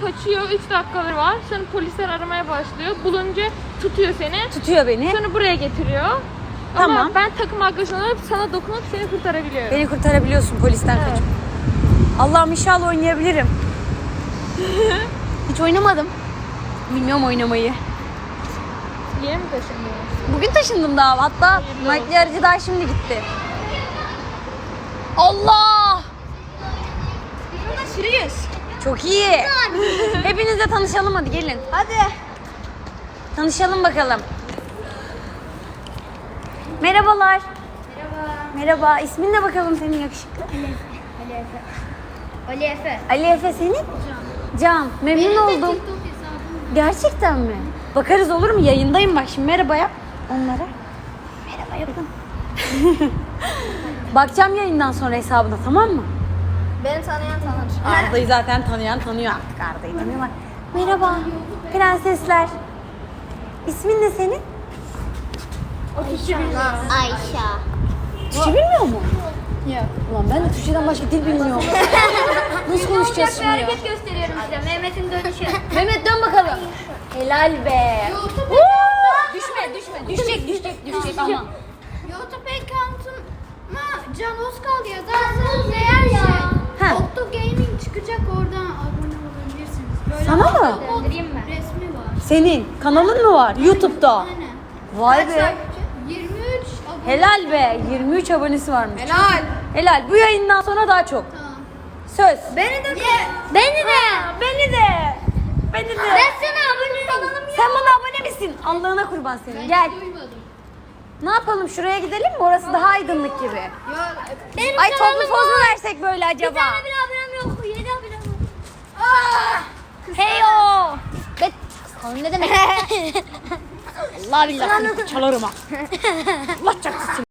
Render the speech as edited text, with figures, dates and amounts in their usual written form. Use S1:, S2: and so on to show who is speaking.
S1: kaçıyor. 3 dakikaları var. Sonra polisler aramaya başlıyor. Bulunca tutuyor seni.
S2: Tutuyor beni.
S1: Sonra buraya getiriyor.
S2: Tamam.
S1: Ama ben takım arkadaşın olup sana dokunup seni kurtarabiliyorum.
S2: Beni kurtarabiliyorsun polisten
S1: Evet.
S2: kaçıp. Allah'ım inşallah oynayabilirim. Hiç oynamadım. Bilmiyorum oynamayı.
S1: Yeni mi taşındın?
S2: Bugün taşındım daha. Hatta
S1: Hayırlı
S2: makyajcı daha şimdi gitti. Allah!
S3: Burada sürüyoruz.
S2: Çok iyi. Hepinizle tanışalım hadi gelin.
S3: Hadi.
S2: Tanışalım bakalım. Merhabalar.
S3: Merhaba.
S2: Merhaba. İsmin ne bakalım senin yakışıklı?
S3: Ali Efe. Ali Efe.
S2: Ali Efe senin? Can. Memnun oldum. Gerçekten mi? Bakarız olur mu? Yayındayım bak şimdi. Merhaba yap onlara. Merhaba yapın. Bakacağım yayından sonra hesabına, tamam mı?
S3: Beni tanıyan tanır.
S2: Arda'yı zaten tanıyan tanıyor artık. Arda'yı tanıyorlar. Merhaba prensesler. İsmin ne senin?
S3: Ayşe.
S2: Türkçe bilmiyor mu? Yok. Ulan ben de Türkçeden başka dil bilmiyorum. Nasıl konuşacağız şimdi ya?
S3: Hareket gösteriyorum işte. Mehmet'in dönüşü.
S2: Mehmet dön bakalım. Helal be.
S3: YouTube
S2: Düşme. Düşecek aman.
S3: YouTube account'uma Can Özkal yazarsanız eğer
S2: Ha.
S3: Otto Gaming çıkacak, oradan abone olabilirsiniz. Böyle
S2: Sana mı?
S3: Göndereyim mi? Resmi var.
S2: Senin kanalın mı var YouTube'da?
S3: Aynen.
S2: Vay
S3: Kaç
S2: be.
S3: takipçi? 23 abone.
S2: Helal be. 23 abonesi varmış.
S3: Helal.
S2: Helal. Bu yayından sonra daha çok.
S3: Tamam.
S2: Söz.
S3: Beni de
S2: Beni de.
S3: Ben sana abone olalım ya.
S2: Sen bana abone misin? Allah'ına kurban senin. Gel.
S3: Duymadım.
S2: Ne yapalım? Şuraya gidelim mi? Orası daha aydınlık gibi.
S3: Ya benim
S2: Ay toplu poz mu versek böyle acaba?
S3: Bir tane bile abonem yok. 7 abonem var.
S2: Heyo.
S3: Ne demek?
S2: Allah billah seni çalarım ha. Allah çarpsın.